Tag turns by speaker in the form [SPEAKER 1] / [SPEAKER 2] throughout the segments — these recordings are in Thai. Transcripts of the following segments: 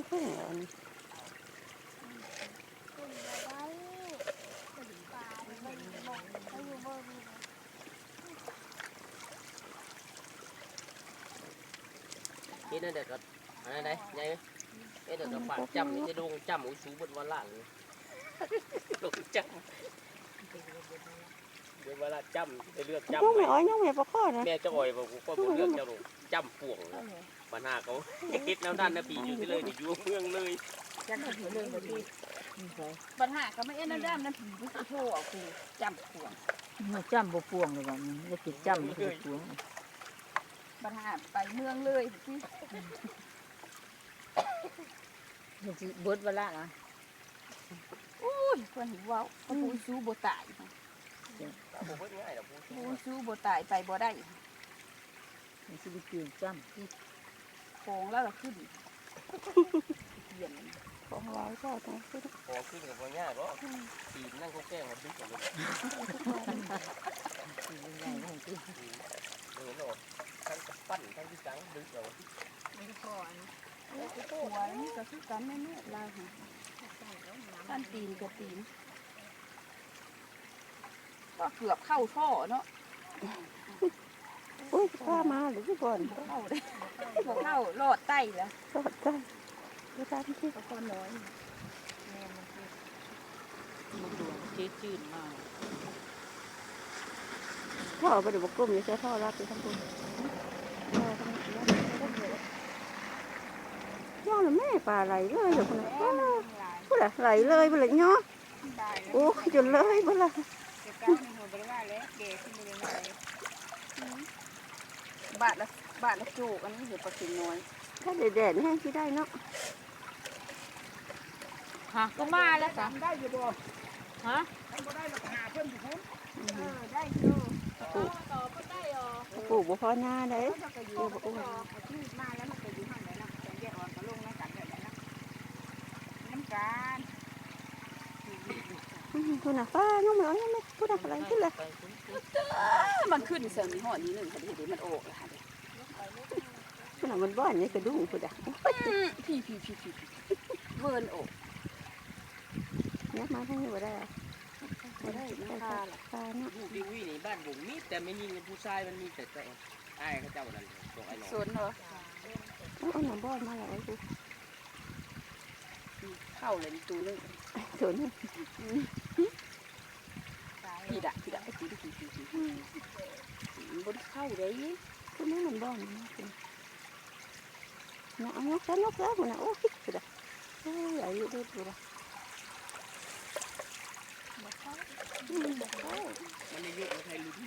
[SPEAKER 1] เพิ่งอัน
[SPEAKER 2] นี่นั่นเด็กก็อะไรได้ใหญ่ไหมเอ๊ะเด็กก็ฝากจำนี่จะดงจำอุ้ยสูบนวันละเลยดงจำเดี๋ยวเวลาจำจะเลือกจำ
[SPEAKER 1] น้องไม่อ้อยน้องไม่ประคอนะ
[SPEAKER 2] แม่จะอ่อยบอกก็ผมเลือกจะจำป่วงปัญหาเขาคิดแล้วด้านนะปีอยู่ที่เลยอยู่เมืองเลย
[SPEAKER 3] จังเขาถือเรื่องแบบนี้
[SPEAKER 4] ปัญหาก็ไม่เอ็นน้ำด้ามน้ำผีไม่ใช่โทษเอาคือจำขวง
[SPEAKER 3] มันจำบ่พวงเลยว่ามันจะติดจำมันคือพวง
[SPEAKER 4] ปัญหาไปเมืองเลยที่
[SPEAKER 3] มันสิเบิดเวลานะ
[SPEAKER 4] อุ้ยคนหิวว้าวเขาปูซูโบตาย
[SPEAKER 2] ผมเพิ่งง่ายแต่
[SPEAKER 4] ปูซูโบตายไปบ่ได้
[SPEAKER 3] มันสิได้เปลี่ยนจำที่
[SPEAKER 4] โค้งแล้วก็ขึ้นเปลี่ยน
[SPEAKER 1] ของเราเจ้าต้องขึ้น
[SPEAKER 2] พอขึ้นกับง่ายก็ปีนั่งเขาแกล้งมาดึกกันเลย
[SPEAKER 3] สิเป็นไงของที่
[SPEAKER 2] เห็นหรอทั้งปั้นทั้งที่จังดึกเรา
[SPEAKER 4] ไม่พอหัวนี่ก็คือกันแม่ๆลาค่ะท่านตีนกับตีนก็เกือบเข้าท่อเนาะ
[SPEAKER 1] อุ้ยข้ามาหรือก่อน
[SPEAKER 4] เข้าได้บ่เข้ารอดใต้แล้ว
[SPEAKER 1] สอดใจดูตามที่
[SPEAKER 4] ก็ก้อนน้อย
[SPEAKER 3] มันดวงเจ๊จืดมาก
[SPEAKER 1] พ่อไปเดี๋ยวบอกกุ้มอย่าใช้พ่อรับไปทั้งกุ้มย่อหรือแม่ปลาไหลเลยอยู่คนละพูดอะไรไหลเลยไปเลยเนาะโอ้ยจนเลยบ่ละ
[SPEAKER 4] บาทละจูกอันนี้เดี๋ยวปลาเข็งน้อย
[SPEAKER 1] ถ้าแดดๆแห้งที่ได้เนาะ
[SPEAKER 3] ฮะก็มาแล้วจ้ะ
[SPEAKER 4] ได้อยู่บ่
[SPEAKER 3] ฮะ
[SPEAKER 4] บ่ได้มาหาเพิ่นอยู่พุ่นได้อยู่ต่อบ่ได้อ๋อ
[SPEAKER 1] ปลูกบ่พอหน้าเลย
[SPEAKER 4] มันก็อยู่บ่ออกที่มาแล้วมันก็อยู่หั่นได้นะแต่แยกออกก็ลงในกันได้นะน้ำกัน
[SPEAKER 1] คุณน่ะป้าน้องไม่เอายังไม่พูดอะไรขึ้นเลย
[SPEAKER 4] มันขึ้นเสริมหอนี้นึงค่ะดิมันออกแล้วค่ะ
[SPEAKER 1] คุณน่ะมันบ้านนี่กระดุ้งคุณอ่ะ
[SPEAKER 4] พี่เวิร์นออก
[SPEAKER 1] เนี่ยมาทั้งนี้บ่ได้อะ
[SPEAKER 4] บ่ได้นะค่ะ
[SPEAKER 1] ปลาเนาะ
[SPEAKER 2] ลูกดิวี่ในบ้านผมมีแต่ไม่ยิงผู้ชายมันมีแต่ไอ้เขาเจ้านั่นส่งไอ้หนอ
[SPEAKER 4] สนเหรอ
[SPEAKER 1] เอาหนังบ้านมาแล้วกู
[SPEAKER 4] เข้าเลยตูนึง
[SPEAKER 1] ส่วนนี้
[SPEAKER 4] พี่ดะพี่บนเข้าเลย
[SPEAKER 1] คุณนี่มันบ้านนะคุณนะเอานกแล้วคุณน่ะโอ้ยคุณอ่ะโอ้ยอายุได้ปุ๊บ
[SPEAKER 2] มันอายุใครรู้ที่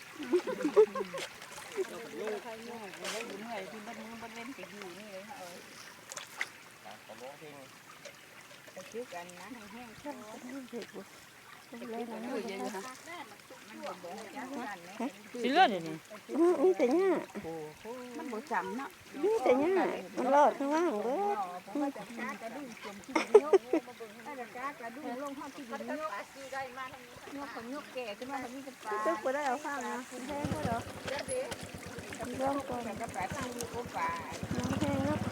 [SPEAKER 4] ใครง่ายแล้วอยู่เหนื่อยที่บ้านเล่นไปอยู่นี่เลยค่ะ
[SPEAKER 2] ขอร้องเพลง
[SPEAKER 4] ไปคิดกันนะแห้งๆ
[SPEAKER 1] ใช่ไม่เห็นปุ๊บเลยนะ
[SPEAKER 4] เยอะๆค่ะมันบ่เบื่อจังนั้นแหละ
[SPEAKER 3] สิเลือดนี่
[SPEAKER 1] นี่แต่เนี่ย
[SPEAKER 4] มันบ่จำเนาะ
[SPEAKER 1] นี่แต่เนี่ยมันรอดข้างล่างเบิด
[SPEAKER 4] ผมว่าจะกากระดุ้งจมที่ยกถ้าจะกากระดุ้งลงห้องที่ดินยกยกคนยกแก่ขึ้นมาทำนี่จะปลา
[SPEAKER 1] ตึกไปได้เอาข้างนะแห้งก็เหรอร่องก่อน
[SPEAKER 4] แต่ก็ปลาตั้งอยู่โอ้ปลา
[SPEAKER 1] น้ำแห้งเนาะ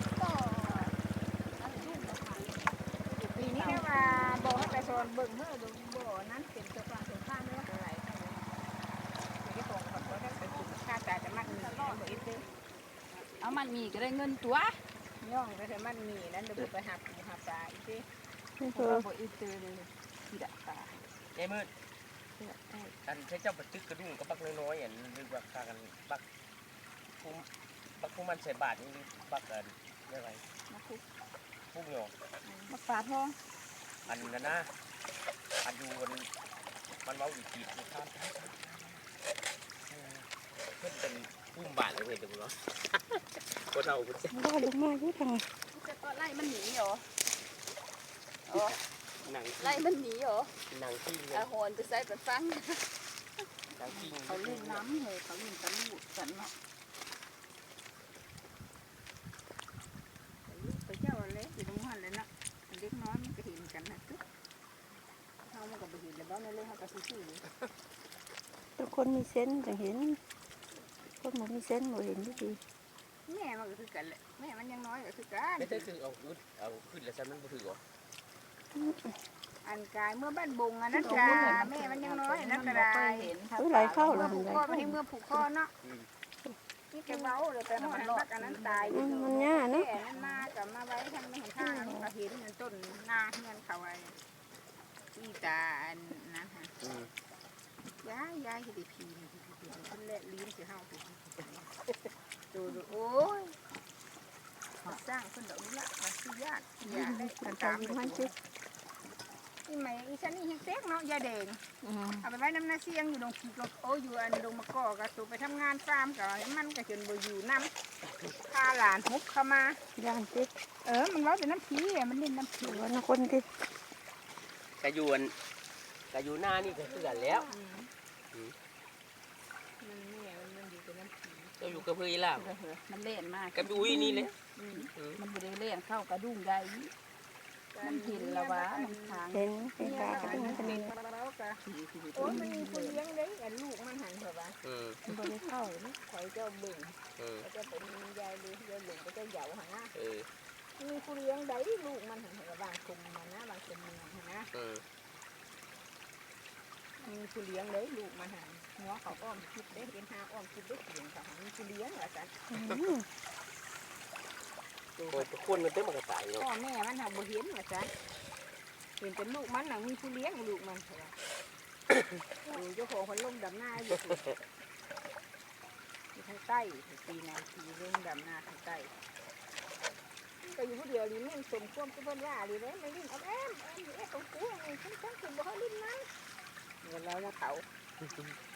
[SPEAKER 4] ปีนี้แค่ว่าบอกให้ไปโซนเบิ่งเมื่อดูบ่อนั้นเป็นตัวกลางตัวข้างไม่ว่าอะไรที่ตรงกับเขาได้ไปจุดค่าจ่ายจะมัดมีบ่อีกเอามันมีก็ได้เงินตัวย่องไปแต่มันมีนั้นเดี๋ยวไปหาปูหาปลาอีกที
[SPEAKER 1] นี่
[SPEAKER 4] เพ
[SPEAKER 1] คื
[SPEAKER 4] ราะ
[SPEAKER 1] อ
[SPEAKER 4] ว่าบ่อีกตัวเลยที่ดะปลา
[SPEAKER 2] ไอ้มืดอันใช้เจ้าปัดตึกกระดุ้งกับบักน้อยๆอย่างนึกว่าพากันบักพุ่มมันใส่บาทนี่บักอะไรเรียกอะไร
[SPEAKER 4] มาคุก
[SPEAKER 2] พุ่มหยอก
[SPEAKER 4] มาปลาทอง
[SPEAKER 2] อันนั้นนะอันอยู่มันเมาอีกจีบนะครับเพื่อนเป็นพุ่มบาทเลยเห็นดูเนาะคนเราคนเจ้า
[SPEAKER 1] ได้ลงมาเยอะจัง
[SPEAKER 4] จะก็ไล่มันหนีเหรอ
[SPEAKER 2] หนัง
[SPEAKER 4] ไล่มันหนีเหรอ
[SPEAKER 2] หนังที่
[SPEAKER 4] อาหอนไปใส่ไปฟัง
[SPEAKER 2] หนังที่
[SPEAKER 4] เขาเล่นน้ำเลยเขาเล่นตะลุกันเนาะไปเจ้าเล็กอยู่ตรงหันเลยนะเล็กน้อยมันก็เห็นกันนะทุกเขามันก็ไปเห็นแล้วบ้านนั่นเลยเขาก็ซื่อๆเลย
[SPEAKER 1] ทุกคนมีเซนส์จะเห็นคนมันมีเซนส์บ่เห็นดี
[SPEAKER 4] แม่มันก็คือกันแหละแม่มันยังน้อยก็คือกัน
[SPEAKER 2] ไม่ใช่คือเอาขึ้นแล้วฉันมันบ่ถือหรอ
[SPEAKER 4] อันกายเมื่อบ้านบงอันนั้นกาแม่มันยังน้อยอันนั้นก็ได้
[SPEAKER 1] เฮ้ยไหลเข้าเล
[SPEAKER 4] เมื่อย ผูกคอไปที่เมื่อผูกคอเนาะนี่แกเบ้าเลยแต่มันรักอันนั้นตาย
[SPEAKER 1] มันยาก
[SPEAKER 4] แม่
[SPEAKER 1] เนาะ
[SPEAKER 4] นั้นมากับมาไว้ทางไม่เห็นทางก็เห็นต้นนาเงินเขาไว้ที่ตาอันนะฮะยายที่ได้พีคนแรกลิ้นสิเฮาดูโอ้ยสร้างคนดอกนี้ละมันคือยากอยากได้
[SPEAKER 1] มัน
[SPEAKER 4] ตาม
[SPEAKER 1] ทำมันสิ
[SPEAKER 4] อีไหมอีฉันนี่ยังเซ็กเนาะยาแดงเอาไปไว้น้ำหน้าเสียงอยู่ตรงโอ้อยู่อันตรงมะกอกระสูไปทำงานฟาร์มกับมันก็จนบ่อยู่น้ำพาหลานฮุบเข้ามา
[SPEAKER 1] ย่านสิ
[SPEAKER 4] มันร้อนแต่น้ำผีมันเล่นน้ำผี
[SPEAKER 1] หรือว่าคนที่
[SPEAKER 2] กะอยู่หน้านี่ก็คือกันแล้ว
[SPEAKER 4] มันอยู่กับน้ำผี
[SPEAKER 2] เราอยู่กับเพื่อนล่ะ
[SPEAKER 3] มันเล่นมาก
[SPEAKER 2] กับอุ้ยนี่เลย
[SPEAKER 3] มันบริเล่นเข้ากระดุ้งได้มันหินละวะมันทาง
[SPEAKER 1] เห็นเป็นกาก็ต้องจะมี
[SPEAKER 4] โอ้ยมันมีคนเลี้ยงเลยอันลูกมันหันเหรอวะ
[SPEAKER 1] มันบริเข้าเลย
[SPEAKER 4] คอยเจ้าบึ่งก็จะเป็นยายเลยยายหลงก็จะเหยาหันนะมีคนเลี้ยงได้ลูกมันหันเหรอบางคุมมันนะบางคุมมันหันนะมีผู้เลี้ยงเลยลูกมันหันหัวเขาอ้อมคิดได้เป็นหาอ้อมคิดได้เสียงเขาหันมีผู้เลี้ยงเหรอจ๊ะ
[SPEAKER 2] โอ้ยคนมันเต็มมันก็ตายเนาะ
[SPEAKER 4] พ่อแม่มันหาบ่เห็นเหรอจ๊ะเห็นเป็นลูกมันหนังมีผู้เลี้ยงลูกมันเหรอเจ้าของคนลงดำหน้าอยู่ทางใต้ปีนาทีเรื่องดำหน้าทางใต้ก็อยู่ผู้เดียวลิ้นมันสมควรกับเพิ่นว่าเลยเลยมันลิ้นเอาแอมอยู่ของกูนี่ฉันคือบ่เขาลิ้นมันเงินแล้วนะเขา